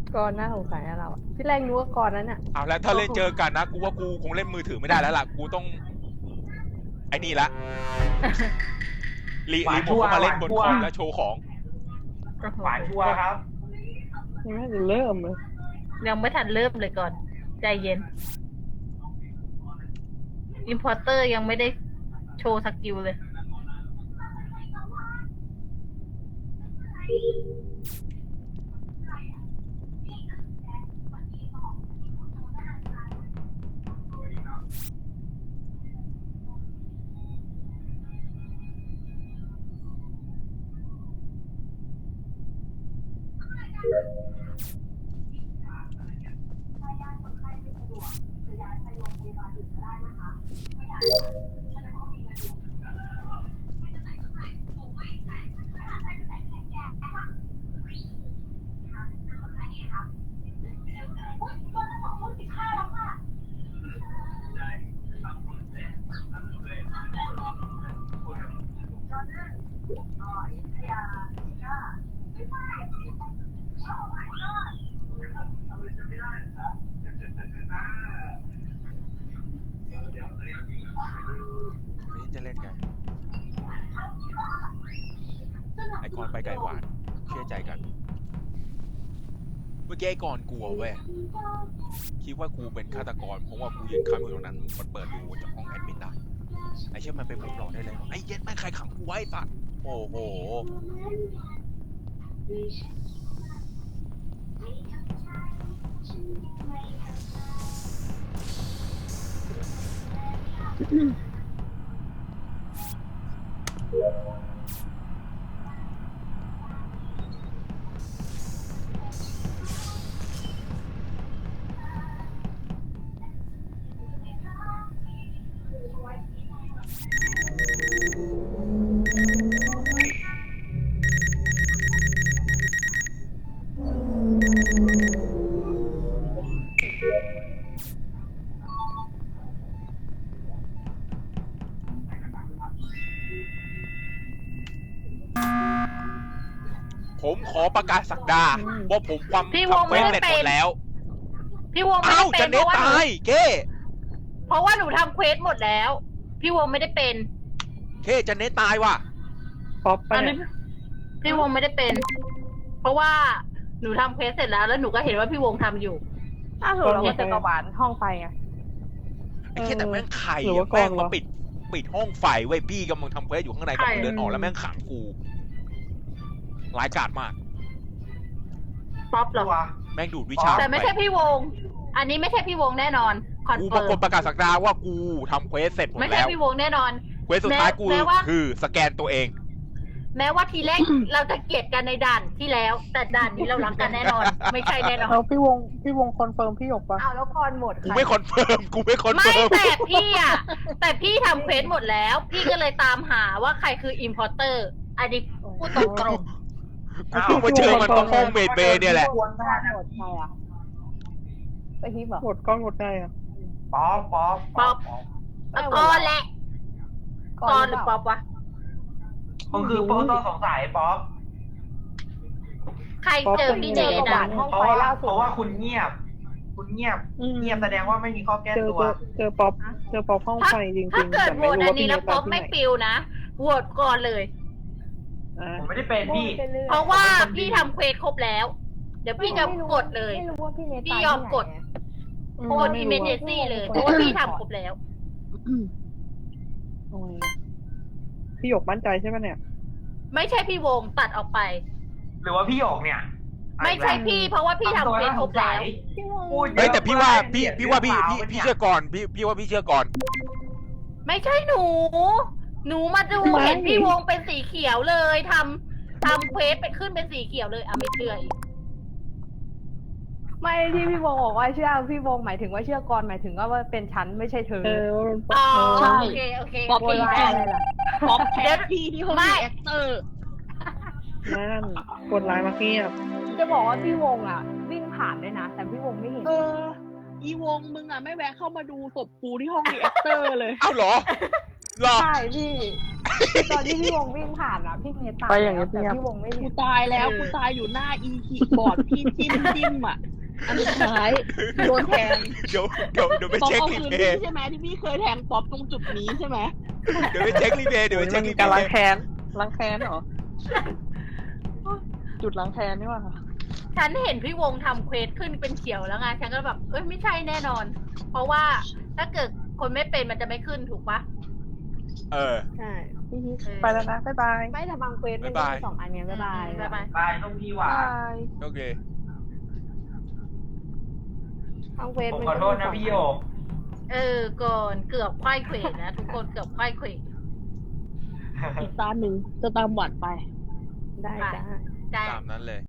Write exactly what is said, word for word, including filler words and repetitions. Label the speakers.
Speaker 1: ก่อนหน้าสงสัยนะเราอะที่แรกนึกว่าก่อนนั้นอ่ะ
Speaker 2: เอาแล้วถ้าเล่นเจอกันนะกูว่ากูคงเล่นมือถือไม่ได้แล้วล่ะกูต้องไอ้นี่ละรีรีโมทเข้ามาเล่นบนคอมแล้วโชว์ของ
Speaker 3: หวานชัวร์ครับ
Speaker 1: ยังไม่ถึงเริ่มเลย
Speaker 4: ยังไม่ทันเริ่มเลยก่อนใจเย็นอิมพอร์เตอร์ยังไม่ได้โชว์สกิลเลย
Speaker 2: นี่จะเล่นกันไอ้กอนไปไก่หวานเชื่อใจกันเมื่อกี้ไอ้กอนกลัวเว้ยคิดว่ากูเป็นฆาตกรเพราะว่ากูยืนค้ำอยู่ตรงนั้นมันเปิดดูจากห้องแอดมินได้ไอ้เชี่ยมันเป็นมุมหลอกได้เลยไอ้เย็ดแม่งใครขังกูไว้ไอ้สัตว์โอ้โหผมขอประกาศสักดาว่าผมความ
Speaker 4: พี่วง
Speaker 2: ทำเคว
Speaker 4: ไม่
Speaker 2: ส
Speaker 4: ได้
Speaker 2: เสร็จ
Speaker 4: เป็
Speaker 2: หม
Speaker 4: น
Speaker 2: ดแล้ว
Speaker 4: พี่วงไม่
Speaker 2: อ้า
Speaker 4: ได้
Speaker 2: ว
Speaker 4: เป็
Speaker 2: จะ
Speaker 4: น
Speaker 2: เน็ต
Speaker 4: เพราะว่าหนู
Speaker 2: ตายเก้
Speaker 4: เพราะว่าหนูทำเควสหมดแล้ว พี่วงไม่ได้เป็น
Speaker 2: เก้จะเน็ตตายว่ะ
Speaker 1: ป๊อปไป
Speaker 4: อันนี้พี่วงไม่ได้เป็น เพราะว่าหนูทำเควสเสร็จแล้วแล้วหนูก็เห็นว่าพี่วงทำอยู่
Speaker 1: อ้าวเราก็เจอกระบาลห้องไฟไง
Speaker 2: ไอ้แค่แต่แม่งไข่
Speaker 1: หรือ
Speaker 2: อะ
Speaker 1: ว่ากอง
Speaker 2: แม่งมา
Speaker 1: เหรอ
Speaker 2: ปิดปิดห้องไฟไว้ยพี่กำลังทำเควสอยู่ข้างใน
Speaker 4: ใช่
Speaker 2: กำลังเดินออกแล้วแม่งขังกูร้ายกาจมาก
Speaker 4: ป๊อปเหรอ
Speaker 3: ชัวร์
Speaker 2: แม่งดูดวิชา
Speaker 4: แต่ไม่ใช่พี่วง อันนี้ไม่ใช่พี่วงแน่นอนคอน
Speaker 2: กู
Speaker 4: เฟิ
Speaker 2: ปราก
Speaker 4: ร์
Speaker 2: ฏ
Speaker 4: ม
Speaker 2: ประกาศสักดาว่ากูทำเควสเสร็จหมด
Speaker 4: ไม่ใช่
Speaker 2: แล้ว
Speaker 4: พี่วงแน่นอน
Speaker 2: เควสสุดท้ายกู
Speaker 4: แม้ว่า
Speaker 2: คือสแกนตัวเอง
Speaker 4: แม้ว่าทีแรก เราจะเกลียดกันในด่านที่แล้ว แต่ด่านนี้เรารักกันแน่นอน ไม่ใช่แน่นอน
Speaker 1: แล้วพี่วงพี่วงคอนเฟิร์มพี่หยกปะอ้าวแล้วคอนหมด
Speaker 2: กูไม่คอนเฟิร์มกูไม่คอน
Speaker 4: ไม่
Speaker 2: เฟิร์ม
Speaker 4: แต่พี่อ่ะ แต่พี่ทำเควสหมดแล้ว พี่ก็เลยตามหาว่าใครคืออิมพอร์เตอร์อันนี้พูดตรง
Speaker 2: กูเพิ่งมาเจอมันตรงห้องเมดเบย์เนี่ยแหละ
Speaker 1: หมดหมดใครอ่ะไปฮิปเหรอหมดก้อนหมดได้อ่ะ
Speaker 3: ป๊อปป๊อป
Speaker 4: ๆป๊อปแล้วก็แหละกอนหรือป๊อปวะ
Speaker 3: ผมคือโปรต้องสงสัยป๊อป
Speaker 4: ใครเจอพี่เนทอ่ะ
Speaker 3: เพราะว่าเพราะว่าคุณเงียบ คุณเงียบ เงียบแสดงว่าไม่มีข้อแก้
Speaker 1: เจอ
Speaker 3: ตัว
Speaker 1: เจอป๊อปเจอป๊อปห้องไฟจริงๆ
Speaker 4: ถ้าเกิด
Speaker 1: แต่
Speaker 4: โหว
Speaker 1: ไม่
Speaker 4: ต
Speaker 1: รู้
Speaker 4: อั
Speaker 1: ว่าน พี่
Speaker 4: นี้
Speaker 1: เน
Speaker 4: แล้ว
Speaker 1: ต
Speaker 4: ป๊
Speaker 1: ตา
Speaker 4: อย ป
Speaker 1: ที่
Speaker 4: ไม่
Speaker 1: ไหน
Speaker 4: ปิวนะโหวตก่อนเลย
Speaker 1: อ่ะ
Speaker 3: ผมไม่ได้เป็นพี่
Speaker 4: เพราะว่าพี่ทำเควสครบแล้ว เดี๋ยวพี่จะกดเลย
Speaker 5: ไม่รู้ว่าพี่เนต
Speaker 4: พี่ยอมกด โอนอิมเมเจซี่เลย เพราะว่าพี่ทำครบแล้ว
Speaker 1: โอ้ยพี่หยกมั่นใจใช่ไหมเนี่ย
Speaker 4: ไม่ใช่พี่วงตัดออกไป
Speaker 3: หรือว่าพี่หยกเนี่ย
Speaker 4: ไม่ใช่พี่เพราะว่าพี่ทำเควสครบแล้ว
Speaker 3: พูดเยอะ
Speaker 2: เฮ้ยแต่พี่ว่าพี่
Speaker 3: มก
Speaker 2: พี่ว่าพี่พี่
Speaker 3: เปล่
Speaker 2: พี่เชื่อก่อนพี่พี่ว่าพี่เชื่อก่อน
Speaker 4: ไม่ใช่หนู หนูมาดู
Speaker 1: ไม่
Speaker 4: เห็นพี่วงเป็นสีเขียวเลยทำทำเควสไปขึ้นเป็นสีเขียวเลยอ่ะไม่เชื่ออีก
Speaker 5: ไม่ที่พี่วงบอกว่าเชื่อพี่วงหมายถึงว่าเชื่อก่อนหมายถึงว่าเป็นฉันไม่ใช่เธอ
Speaker 1: เออ
Speaker 4: อ๋อ
Speaker 1: ใช่
Speaker 4: โอเคโอเค
Speaker 5: โวยวายอะไรล่ะ
Speaker 6: ป๊อปแคสพี่ที่ห้อง
Speaker 4: ไม่
Speaker 6: แอคเตอร์
Speaker 1: นั่นกดไลน์มาเงียบ
Speaker 5: จะบอกว่าพี่วงอ่ะ วิ่งผ่านด้วยนะ แต่พี่วงไม่เห็น
Speaker 6: เออ อีวงมึงอ่ะไม่แวะเข้ามาดูศพกูที่ห้องรีแอคเตอร์เลย
Speaker 2: เอ้าเหรอหรอ
Speaker 5: ใช่พี่ตอนที่พี่วงวิ่งผ่านอ่ะพี่เมย์ตาย
Speaker 1: ไปอย่างเงี้
Speaker 5: แล้
Speaker 1: ยว
Speaker 5: แต่พี่วงไม่
Speaker 6: กู
Speaker 5: เห็น
Speaker 6: ตายแล้วกูตายอยู่หน้าอีคีย์บอร์ดพี่จิ้มจิ้มอ่ะอันสุดท้ายโดนแทง
Speaker 2: เดี๋ยวเดี๋ยวเดี๋ยวไป
Speaker 6: ป๊อป
Speaker 2: เช็ค
Speaker 6: เอา
Speaker 2: รี
Speaker 6: คืน
Speaker 2: เพ
Speaker 6: พี่
Speaker 2: ย์
Speaker 6: ใช่ไหมที่พี่เคยแทงป๊อปตรงจุดนี้ใช่ไหม
Speaker 2: เดี๋ยวไปเช็ครีเพย์เดี๋ยวไปเช็
Speaker 1: มั
Speaker 2: คน รี
Speaker 1: มี
Speaker 2: เพ
Speaker 1: การล้าง
Speaker 2: ย์
Speaker 1: แค้นล้างแค้นเหรอ จุดล้างแค้นนี่หว่า
Speaker 4: ฉันเห็นพี่วงทำเควสขึ้นเป็นเขียวแล้วไงฉันก็แบบเอ้ยไม่ใช่แน่นอน เพราะว่าถ้าเกิดคนไม่เป็นมันจะไม่ขึ้นถูกปะ
Speaker 2: เออ
Speaker 5: ใช่
Speaker 1: ไปแล้วนะ บ๊ายบาย
Speaker 5: ไม่แต่บางเควสมัน
Speaker 2: บ๊ายบาย
Speaker 5: มีสองอันเนี้ยบ๊ายบาย
Speaker 4: บ๊ายบาย
Speaker 3: บายต้องพี่หวาน
Speaker 2: โอเค
Speaker 5: บางเควส
Speaker 3: ผม
Speaker 5: มัน
Speaker 3: ขอโทษ
Speaker 5: ก็มีส
Speaker 3: นะ
Speaker 5: อง
Speaker 3: พี่โยก
Speaker 4: เออก่อนเกือบควายเขวนะทุกคนเกือบควายเขว
Speaker 6: อีกตาหนึ่งจะตามหวัดไป
Speaker 5: ได้จ้า
Speaker 4: ได้
Speaker 2: ตามนั้นเลย